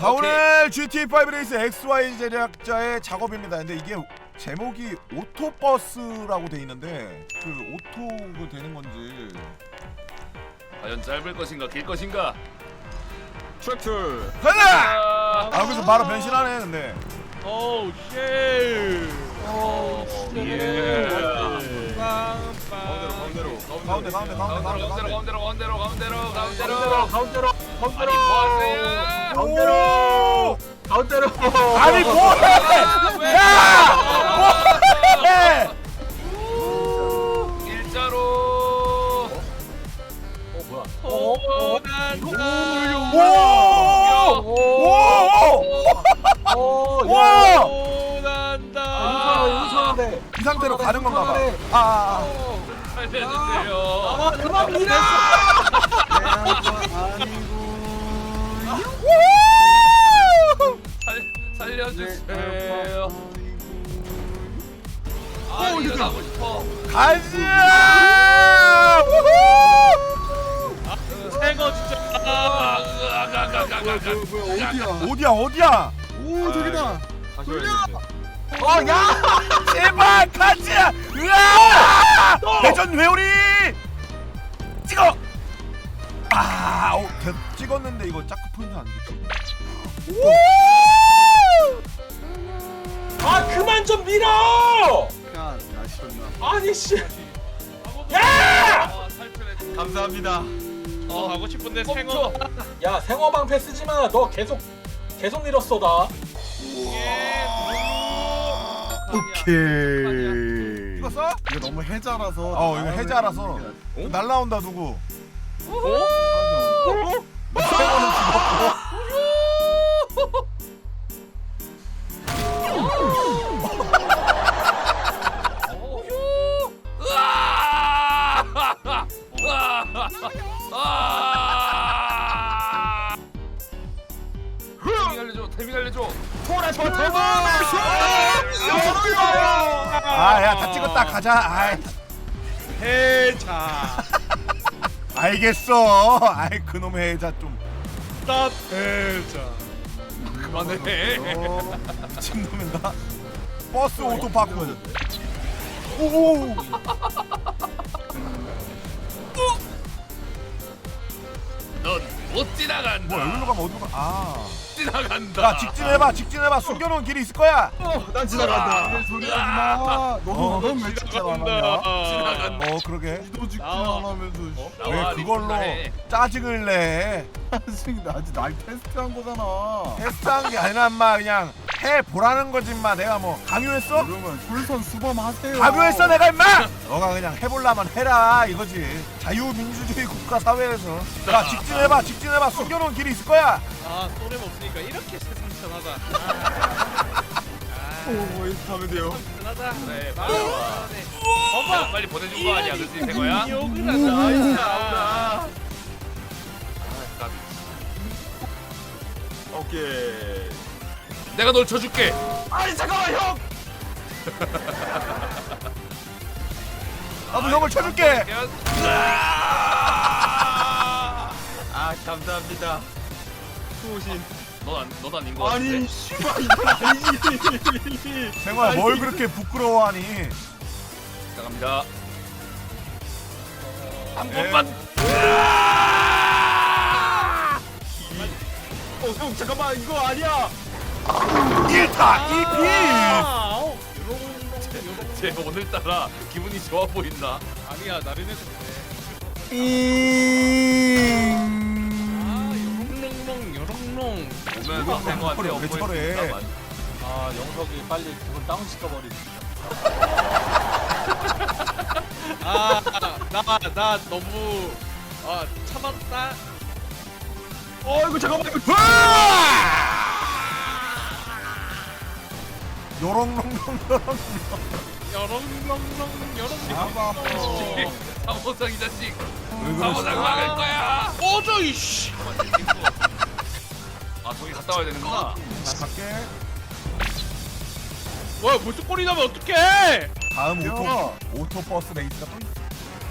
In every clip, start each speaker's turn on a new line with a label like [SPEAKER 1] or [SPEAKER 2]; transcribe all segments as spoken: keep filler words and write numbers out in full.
[SPEAKER 1] 자 오늘 지티에이 파이브 레이스 엑스와이 제작자의 작업입니다. 근데 이게 제목이 오토버스라고 돼 있는데 그 오토 그 되는 건지
[SPEAKER 2] 과연 짧을 것인가 길 것인가?
[SPEAKER 3] 트랙터.
[SPEAKER 1] 가자! 아 여기서 바로 변신하네. 근데
[SPEAKER 3] 오우 쉣.
[SPEAKER 2] 오,
[SPEAKER 3] 예.
[SPEAKER 1] 가운데로 가운데 가운데 가운데
[SPEAKER 2] 가운데로
[SPEAKER 1] 가운데
[SPEAKER 2] 가운데로 가운데로 가운데로 가운데로
[SPEAKER 3] 가운데로
[SPEAKER 2] 아니 뭐하세요?
[SPEAKER 3] 가운데로 가운데로
[SPEAKER 1] 아니 뭐해! 야! 뭐해!
[SPEAKER 2] 일자로.
[SPEAKER 3] 어 뭐야?
[SPEAKER 2] 오, 난다.
[SPEAKER 1] 오! 오!
[SPEAKER 3] 오!
[SPEAKER 1] 와!
[SPEAKER 2] 오, 난다.
[SPEAKER 3] 이상한데.
[SPEAKER 1] 이 상태로 가는 건가 봐. 아, 아, 아.
[SPEAKER 2] 살려주세요.
[SPEAKER 3] 아, 그만 밀어.
[SPEAKER 2] 살 살려주세요. 아 이거 가고 싶어.
[SPEAKER 1] 가자! 우후!
[SPEAKER 3] 새거 진짜.
[SPEAKER 2] 어디야?
[SPEAKER 1] 어디야 어디야?
[SPEAKER 4] 오 저기다.
[SPEAKER 1] 어 야! 제발 가자! 으아! 대전 회오리! 찍어! 아, 어, 대, 찍었는데 이거 짜크 포인트 아니겠지? 오!
[SPEAKER 3] 아 그만 좀 밀어.
[SPEAKER 4] 야, 아쉽나.
[SPEAKER 3] 아니 씨. 야!
[SPEAKER 2] 감사합니다.
[SPEAKER 3] 어 하고 싶은데
[SPEAKER 2] 생어.
[SPEAKER 3] 야 생어 방패 쓰지 마. 너 계속 계속 밀었어 나.
[SPEAKER 4] 오케이.
[SPEAKER 1] 찍었어?
[SPEAKER 4] 이거 너무 해자라서.
[SPEAKER 1] 어 이거 해자라서 날라온다 누구?
[SPEAKER 3] 어?
[SPEAKER 1] 세번은 죽었고.
[SPEAKER 2] 태밍 알려줘. 태밍 알려줘.
[SPEAKER 1] 아야 다 찍었다 가자. 아이.
[SPEAKER 3] 해자.
[SPEAKER 1] 알겠어. 아이 그놈의 해자 좀.
[SPEAKER 3] 스탑 해자.
[SPEAKER 2] 그만해.
[SPEAKER 1] 어, 미친놈인가? 버스 오토파크. 오.
[SPEAKER 2] 넌 못 지나간다.
[SPEAKER 1] 뭐 여기로 가면 어디로 가? 아.
[SPEAKER 2] 지나간다.
[SPEAKER 1] 야 직진해봐 직진해봐 숨겨놓은 길이 있을 거야.
[SPEAKER 4] 난 지나간다. 소리 하지 마. 너도
[SPEAKER 1] 어.
[SPEAKER 4] 너는 왜 직진 안 하냐?
[SPEAKER 2] 지나간다.
[SPEAKER 1] 어 그러게.
[SPEAKER 4] 너도 직진
[SPEAKER 3] 나와.
[SPEAKER 4] 안 하면서.
[SPEAKER 1] 왜
[SPEAKER 2] 나와,
[SPEAKER 1] 그걸로
[SPEAKER 2] 네
[SPEAKER 1] 짜증을 내?
[SPEAKER 4] 사실 나 아직 날 테스트한 거잖아.
[SPEAKER 1] 테스트한 게 아니라 인마 그냥 해보라는 거지 인마. 내가 뭐 강요했어?
[SPEAKER 4] 그러면 솔선 수범하세요.
[SPEAKER 1] 강요했어 내가 인마? 너가 그냥 해볼라면 해라 이거지. 자유민주주의 국가 사회에서. 야 직진해봐 직진해봐 숨겨놓은 길이 있을 거야.
[SPEAKER 3] 아 소름 없으니까 이렇게 세상천하다.
[SPEAKER 4] 오, 이렇게 하면 돼요.
[SPEAKER 3] 하다.
[SPEAKER 2] 그래 빨리 와. 엄마 빨리 보내준 거 아니야? 그렇지 된 거야?
[SPEAKER 3] 욕을 한다.
[SPEAKER 2] 아, 까비.
[SPEAKER 4] 오케이.
[SPEAKER 2] 내가 널 쳐줄게.
[SPEAKER 4] 아니 잠깐만 형.
[SPEAKER 1] 나도 형을 쳐줄게.
[SPEAKER 4] 아 감사합니다. 수호신.
[SPEAKER 2] 넌넌 아닌 거 같은데.
[SPEAKER 4] 아니 씨발 이건 아니지.
[SPEAKER 1] 생활 뭘 그렇게 부끄러워하니?
[SPEAKER 2] 나갑니다. 한
[SPEAKER 1] 예.
[SPEAKER 2] 번만.
[SPEAKER 4] 어형 잠깐만 이거 아니야.
[SPEAKER 1] 일 타 이 피.
[SPEAKER 2] 쟤 오늘따라 기분이 좋아 보인다.
[SPEAKER 3] 아니야 나른해서 그래. 아 요롱롱 요롱롱.
[SPEAKER 2] 오면서 생활한테
[SPEAKER 1] 왜 저래?
[SPEAKER 3] 아 영석이 빨리 그걸 다운 시켜버리지. 아나 나 너무 아 참았다.
[SPEAKER 4] 어 이거 잠깐만 이거.
[SPEAKER 1] 요롱롱롱 요롱.
[SPEAKER 3] 여롱롱롱 여롱.
[SPEAKER 4] 아빠.
[SPEAKER 2] 사모상 이 자식.
[SPEAKER 1] 왜
[SPEAKER 2] 사모상
[SPEAKER 1] 그러시나?
[SPEAKER 2] 막을 거야.
[SPEAKER 3] 꺼져 이씨.
[SPEAKER 2] 아 저기 갔다 와야 되는구나.
[SPEAKER 1] 나 갈게.
[SPEAKER 3] 뭐야 벌써 꼴이 나면 어떡해?
[SPEAKER 1] 다음
[SPEAKER 4] 야.
[SPEAKER 1] 오토 오토버스 레이스가 또 있어.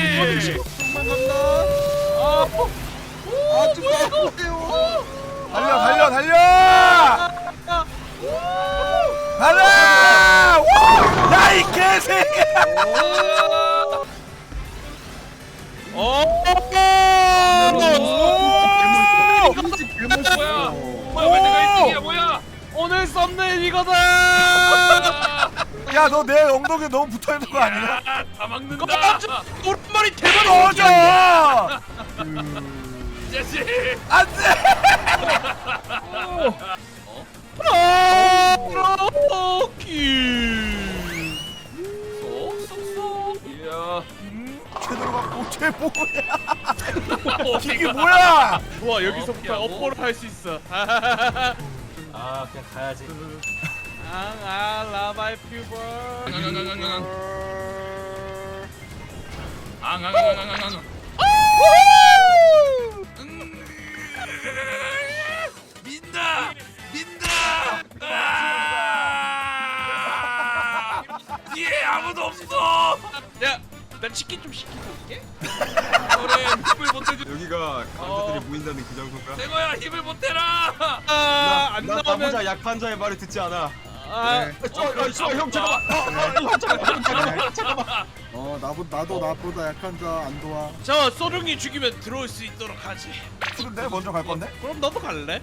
[SPEAKER 5] 조금만 간다. 아, 좀 아프세요.
[SPEAKER 1] 달려 달려 달려 달려 야이 개새끼야
[SPEAKER 2] 어. 뭐야? 뭐야? 왜 내가 일 등이야? 뭐야?
[SPEAKER 6] 오늘 썸네일 이거다.
[SPEAKER 1] 야 너 내 엉덩이에 너무 붙어있는 거 아니야?
[SPEAKER 2] 아, 다 막는다.
[SPEAKER 6] 오른발이 대박.
[SPEAKER 1] 꺼져
[SPEAKER 2] 자식.
[SPEAKER 1] 안돼
[SPEAKER 6] 오키.
[SPEAKER 2] 쏙쏙쏙. 이야.
[SPEAKER 1] 제대로 갖고 쟤 뭐야
[SPEAKER 2] 이게
[SPEAKER 1] 이게 뭐야
[SPEAKER 6] 좋아 여기서부터
[SPEAKER 2] 어,
[SPEAKER 6] 업보를 할 수 있어.
[SPEAKER 3] 아 그냥 가야지.
[SPEAKER 6] 아 라바이 퓨버.
[SPEAKER 2] 앙앙앙앙앙앙. 민다. 민다. 아! 뒤에 아무도 없어.
[SPEAKER 6] 야, 나 치킨 좀 시키고 올게.
[SPEAKER 2] 그래 힘을 못 대주.
[SPEAKER 4] 여기가 강자들이 모인다는 그 장소인가?
[SPEAKER 2] 생호야 힘을 못 대라.
[SPEAKER 6] 아, 안
[SPEAKER 4] 나
[SPEAKER 6] 나오면
[SPEAKER 4] 나보자 약한 자의 말을 듣지 않아.
[SPEAKER 6] 아,
[SPEAKER 5] 네.
[SPEAKER 4] 저, 어, 저, 형 잠깐만. 어, 어, 형 잠깐만. 잠깐만. 잠깐만.
[SPEAKER 5] 어, 나보 나도 나보다 약한 자 안 도와.
[SPEAKER 6] 저 소룡이 죽이면 들어올 수 있도록 하지.
[SPEAKER 1] 근데 먼저 갈 건데?
[SPEAKER 6] 그럼 너도 갈래?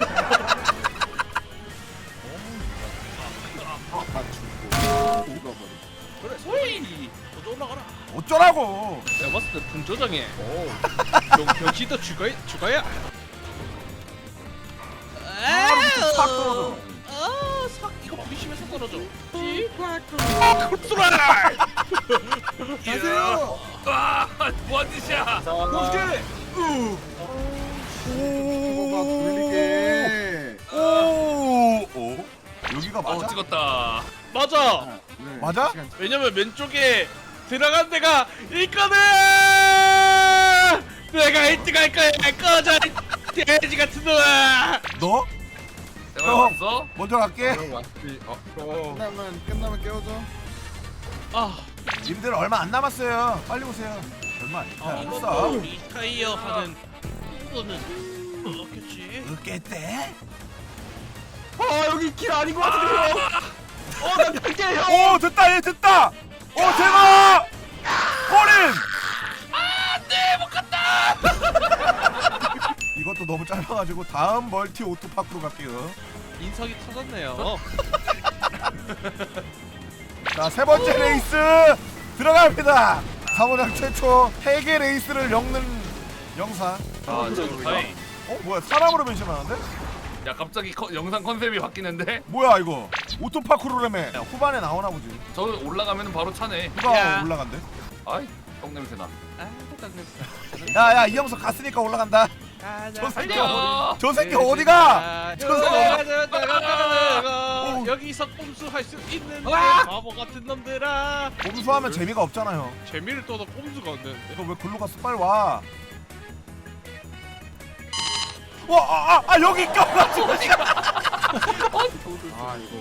[SPEAKER 5] 다 죽고 죽어버려.
[SPEAKER 6] 그래, 소희. 너도 올라가라.
[SPEAKER 1] 어쩌라고
[SPEAKER 6] 내가 봤을 때 분조장해. 오. 병 병신도 죽어야 죽어야.
[SPEAKER 1] 바로 밑에 팍 떨어져
[SPEAKER 6] 아, 삭 이거 부딪히면서 떨어져. 아, 흡수라.
[SPEAKER 5] 가세요.
[SPEAKER 2] 와, 뭐한 짓이야?
[SPEAKER 4] 어떻게?
[SPEAKER 5] 뭐가 돌리게.
[SPEAKER 1] 오, 오, 여기가 맞아?
[SPEAKER 2] 어, 찍었다.
[SPEAKER 6] 맞아.
[SPEAKER 5] 아, 네.
[SPEAKER 1] 맞아?
[SPEAKER 5] 시간
[SPEAKER 6] 왜냐면 왼쪽에 들어간 데가 있거든. 내가 일 등 할 거야. 꺼져. 이 돼지 같은 놈아.
[SPEAKER 1] 너?
[SPEAKER 2] 생호야
[SPEAKER 1] 형.
[SPEAKER 2] 왔어?
[SPEAKER 1] 먼저 갈게
[SPEAKER 4] 형 왔지. 어, 어.
[SPEAKER 5] 끝나면 끝나면 깨워줘.
[SPEAKER 6] 아,
[SPEAKER 1] 님들 얼마 안 남았어요 빨리 오세요 얼마 안
[SPEAKER 6] 아,
[SPEAKER 1] 남았어
[SPEAKER 6] 리타이어 하는 거는 없겠지.
[SPEAKER 1] 으깼대?
[SPEAKER 4] 아, 여기 길 아닌 것 같은데 형. 어, 나 갈게 형.
[SPEAKER 1] 오 됐다 얘 됐다 오 대박 꼬린
[SPEAKER 2] 안돼 못 갔다.
[SPEAKER 1] 이것도 너무 짧아가지고 다음 멀티 오토파크로 갈게요
[SPEAKER 6] 인석이 터졌네요.
[SPEAKER 1] 자 세 번째 레이스 들어갑니다 사모장 최초 세계 레이스를 엮는 영상
[SPEAKER 2] 아, 지금 다행.
[SPEAKER 1] 어 뭐야 사람으로 변신하는데?
[SPEAKER 2] 야 갑자기 커, 영상 컨셉이 바뀌는데?
[SPEAKER 1] 뭐야 이거 오토파크로라며 야, 후반에 나오나 보지
[SPEAKER 2] 저 올라가면 바로 차네.
[SPEAKER 1] 누가
[SPEAKER 6] 야.
[SPEAKER 1] 올라간대?
[SPEAKER 2] 아이 똥 냄새 나.
[SPEAKER 6] 아, 딱
[SPEAKER 1] 야야 이 영상 갔으니까 올라간다 저 새끼
[SPEAKER 2] 달려.
[SPEAKER 1] 저 새끼 어디가? 저 새끼
[SPEAKER 6] 저 여기서 꼼수할 수 있는데 바보 같은 놈들아.
[SPEAKER 1] 검수하면 재미가 없잖아요
[SPEAKER 6] 재미를 떠도 꼼수가 안 되는데.
[SPEAKER 1] 너 왜 글로 갔어? 빨리 와. 와, 아, 아, 아 여기 껴가지고.
[SPEAKER 5] 아 이거.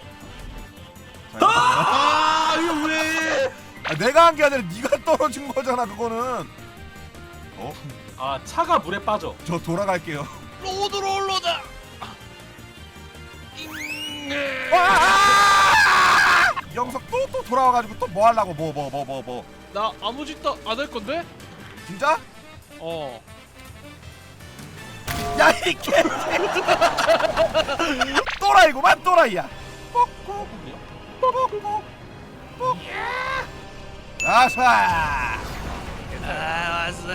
[SPEAKER 4] 아, 이거 왜?
[SPEAKER 1] 아, 내가 한 게 아니라 네가 떨어진 거잖아. 그거는. 어?
[SPEAKER 3] 아 차가 물에 빠져.
[SPEAKER 1] 저 돌아갈게요.
[SPEAKER 6] 로드로 올라다.
[SPEAKER 1] 와! 아! 영석 또 또 돌아와가지고 또 뭐 하려고 뭐 뭐 뭐 뭐 뭐.
[SPEAKER 6] 나 아무 짓도 안 할 건데?
[SPEAKER 1] 진짜?
[SPEAKER 6] 어.
[SPEAKER 1] 야 이 개. 또라이구만 또라이야. 뻑뻑. 뻑뻑. 뻑. 아싸.
[SPEAKER 6] 아, 왔어.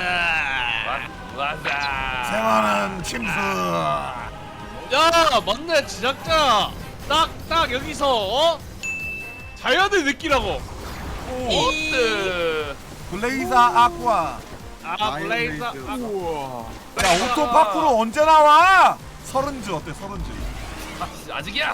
[SPEAKER 2] 와자.
[SPEAKER 1] 생활은 침수.
[SPEAKER 6] 야, 맞네, 제작자. 딱 딱 여기서 어? 자연을 느끼라고.
[SPEAKER 2] 오트.
[SPEAKER 1] 블레이저 아쿠아.
[SPEAKER 6] 아 블레이저. 아,
[SPEAKER 1] 야 오토 파쿠르 언제 나와? 서른즈 어때 서른즈?
[SPEAKER 2] 아, 아직이야.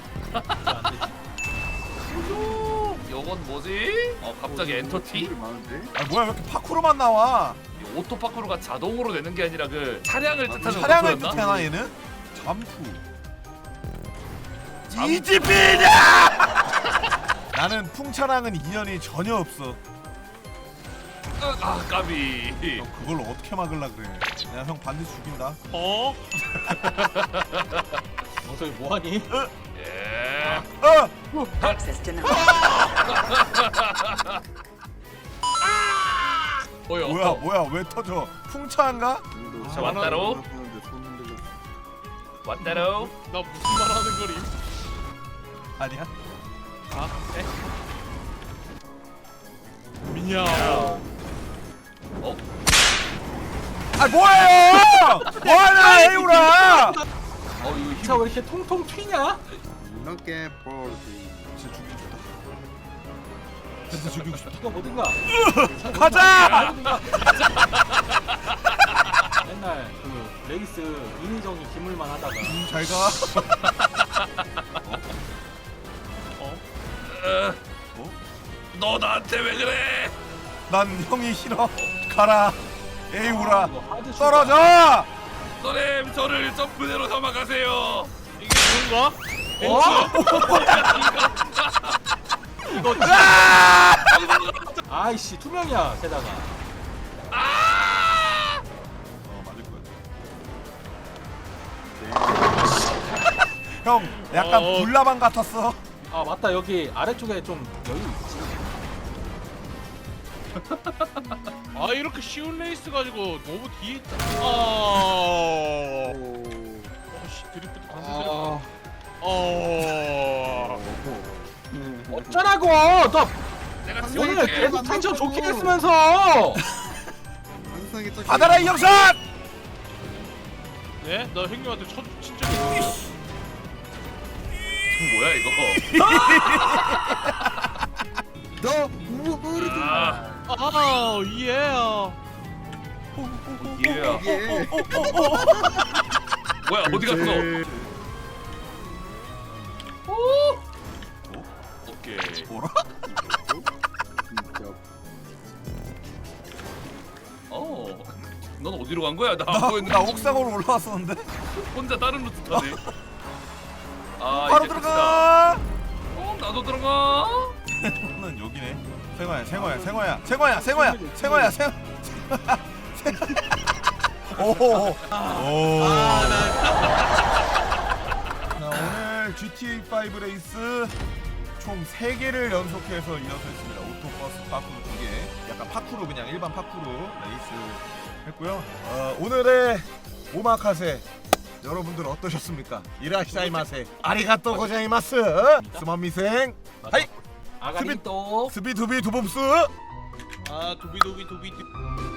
[SPEAKER 2] 요건 뭐지? 어 갑자기 엔터티?
[SPEAKER 5] 많은데?
[SPEAKER 1] 아 뭐야 왜 이렇게 파쿠르만 나와?
[SPEAKER 2] 이 오토 파크로가 자동으로 되는 게 아니라 그 차량을 뜻하는
[SPEAKER 1] 차량을
[SPEAKER 2] 오토였나?
[SPEAKER 1] 뜻하나 얘는? 점프.
[SPEAKER 2] 잠-
[SPEAKER 1] 이지피냐? 나는 풍차랑은 인연이 전혀 없어.
[SPEAKER 2] 아 까비.
[SPEAKER 1] 너 그걸 어떻게 막을라 그래? 내가 형 반드시 죽인다.
[SPEAKER 6] 어?
[SPEAKER 3] 어 저기 뭐하니?
[SPEAKER 2] 예.
[SPEAKER 1] 어!
[SPEAKER 7] Access denied.
[SPEAKER 6] 뭐야?
[SPEAKER 1] 뭐야 뭐야 왜 터져? 풍차인가?
[SPEAKER 2] 자, 왔다로.
[SPEAKER 5] 손 흔들렸어.
[SPEAKER 2] 왔다로.
[SPEAKER 6] 나 무슨 말 하는 거림?
[SPEAKER 1] 아니야?
[SPEAKER 6] 아, 네. 미냐.
[SPEAKER 2] 어?
[SPEAKER 1] 아 뭐예요? 뭐하냐 에우라?
[SPEAKER 2] 어 이거 힘.
[SPEAKER 3] 차 왜 이렇게 통통 튀냐?
[SPEAKER 5] 이렇게 버리.
[SPEAKER 1] 진짜 죽이고 싶다. 진짜 죽이고 싶다.
[SPEAKER 3] 이거 뭐든가.
[SPEAKER 1] 가자!
[SPEAKER 3] 맨날 그 레이스 인의정이 기물만 하다가
[SPEAKER 1] 음, 잘 가.
[SPEAKER 2] 어?
[SPEAKER 1] 어?
[SPEAKER 2] 너 나한테 왜 그래?
[SPEAKER 1] 난 형이 싫어. 가라. 에이우라.
[SPEAKER 3] 아, 이거 하드 슈가.
[SPEAKER 1] 떨어져!
[SPEAKER 2] 선생님 저를 점프대로 삼아가세요.
[SPEAKER 6] 이게 좋은가?
[SPEAKER 3] 어?
[SPEAKER 6] 이거
[SPEAKER 3] 아이씨 투명이야 게다가.
[SPEAKER 1] 어 맞을 거야. 형 약간
[SPEAKER 6] 어.
[SPEAKER 1] 불나방 같았어.
[SPEAKER 3] 아 맞다 여기 아래쪽에 좀 여유 있지.
[SPEAKER 6] 아 이렇게 쉬운 레이스 가지고 너무 뒤에 있다. 아.
[SPEAKER 5] 오.
[SPEAKER 6] 어씨 드리프트
[SPEAKER 5] 아.
[SPEAKER 6] 반대로. 어.
[SPEAKER 3] 어쩌라고? 너
[SPEAKER 2] 내가
[SPEAKER 3] 오늘
[SPEAKER 2] 지원할게.
[SPEAKER 3] 계속 텐션 좋게 했으면서.
[SPEAKER 5] 항상 딱
[SPEAKER 1] 받아라 이 영상!
[SPEAKER 6] 네? 나 형님한테 첫 진짜 있어.
[SPEAKER 2] 뭐야 이거?
[SPEAKER 5] 너 우버리.
[SPEAKER 2] 아,
[SPEAKER 6] 아 예.
[SPEAKER 2] 예.
[SPEAKER 5] 예.
[SPEAKER 2] 뭐야 어디 갔어? 오케이.
[SPEAKER 1] 뭐라?
[SPEAKER 5] 진짜.
[SPEAKER 2] 어. 넌 어디로 간 거야? 나 안
[SPEAKER 1] 나,
[SPEAKER 2] 보였는데.
[SPEAKER 1] 나 옥상으로 올라왔었는데?
[SPEAKER 2] 혼자 다른 루트 타네. 아
[SPEAKER 1] 바로
[SPEAKER 2] 이제
[SPEAKER 1] 들어가!
[SPEAKER 2] 끝이다. 어 나도 들어가.
[SPEAKER 1] 는 여기네. 생화야, 생화야, 생화야, 생화야, 생화야, 생화야, 생. 오. 오. 자 오늘 지티에이 오 레이스 총 세 개를 연속해서 이어서 했습니다. 오토버스 파쿠르 두 개. 약간 파쿠르 그냥 일반 파쿠르 레이스 했고요. 어, 오늘의 오마카세 여러분들 어떠셨습니까? 이라시자이마세. 아리가또 고자이마스. 스마미생. 하이.
[SPEAKER 3] 아가리 또.
[SPEAKER 1] 스비두비 두봅스.
[SPEAKER 6] 아 도비도비 도비.